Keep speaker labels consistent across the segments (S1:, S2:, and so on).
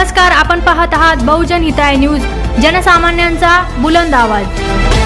S1: नमस्कार, आपण पाहत आहात बहुजन हिताय न्यूज, जनसामान्यांचा बुलंद आवाज।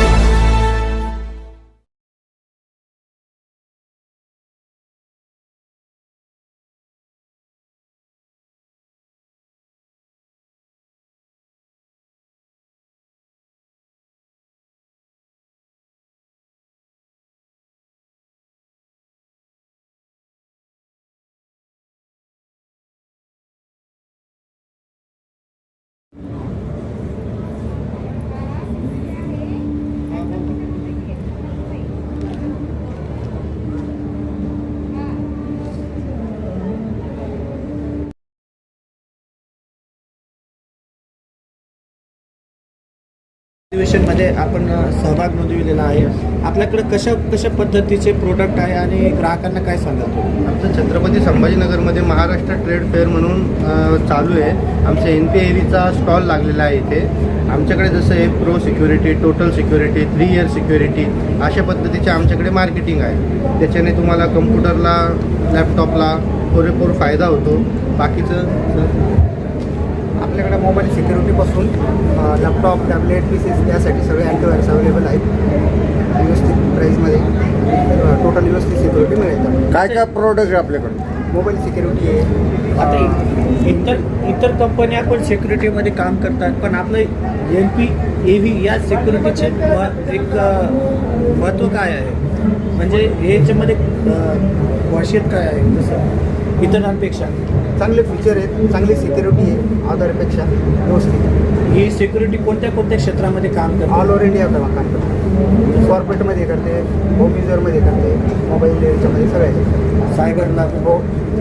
S2: अधिवेशनमध्ये आपण सहभाग नोंदविलेला आहे। आपल्याकडे कशा पद्धतीचे प्रोडक्ट आहे आणि ग्राहकांना काय सांगाल?
S3: आमचं छत्रपती संभाजीनगरमध्ये महाराष्ट्र ट्रेड फेअर म्हणून चालू आहे। आमच्या NPAVचा स्टॉल लागलेला आहे इथे। आमच्याकडे जसं आहे pro security, total security, 3 year security अशा पद्धतीचे आमच्याकडे मार्केटिंग आहे। त्याच्याने तुम्हाला कम्प्युटरला, लॅपटॉपला पुरेपूर फायदा होतो। बाकीचं
S4: आपल्याकडे मोबाईल सिक्युरिटीपासून लॅपटॉप, टॅबलेट, पीसीस यासाठी सगळे अँटीव्हायरस अवेलेबल आहेत। व्यवस्थित प्राईसमध्ये टोटल व्यवस्थित सिक्युरिटी मिळेल।
S3: काय प्रोडक्ट आहे आपल्याकडे?
S4: मोबाईल सिक्युरिटी आहे।
S2: आता इतर कंपन्या पण सिक्युरिटीमध्ये काम करतात, पण आपलं NPAV या सिक्युरिटीचे एक महत्त्व काय आहे? म्हणजे याच्यामध्ये खासियत काय आहे जसं इतरांपेक्षा?
S4: चांगले फीचर आहेत, चांगली सिक्युरिटी आहे अदरपेक्षा व्यवस्थित।
S2: ही सिक्युरिटी कोणत्या क्षेत्रामध्ये काम करते?
S4: ऑल ओव्हर इंडिया काम करते। कॉर्पोरेटमध्ये करते, होम युजरमध्ये करते, मोबाईल याच्यामध्ये सगळ्या
S2: सायबरला
S4: हो।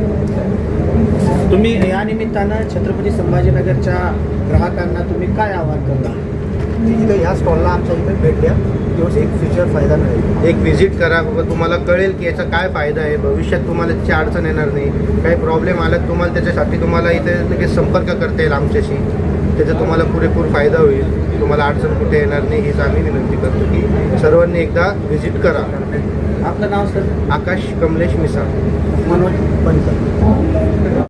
S2: तुम्ही या निमित्तानं छत्रपती संभाजीनगरच्या ग्राहकांना तुम्ही काय आवाहन करता?
S4: इथं ह्या स्टॉलला आमच्या इथे भेट द्या, व्यवस्थित फ्युचर फायदा मिळेल।
S3: एक व्हिजिट करा, तुम्हाला कळेल की याचा काय फायदा आहे। भविष्यात तुम्हाला त्याची अडचण येणार नाही। काही प्रॉब्लेम आला तुम्हाला त्याच्यासाठी तुम्हाला इथे लगेच संपर्क करता येईल आमच्याशी। त्याचा तुम्हाला पुरेपूर फायदा होईल, तुम्हाला अडचण कुठे येणार नाही हीच आम्ही विनंती करतो की सर्वांनी एकदा व्हिजिट करा।
S2: आपलं नाव सर?
S3: आकाश कमलेश मिसाळ,
S4: मनोज बनकर।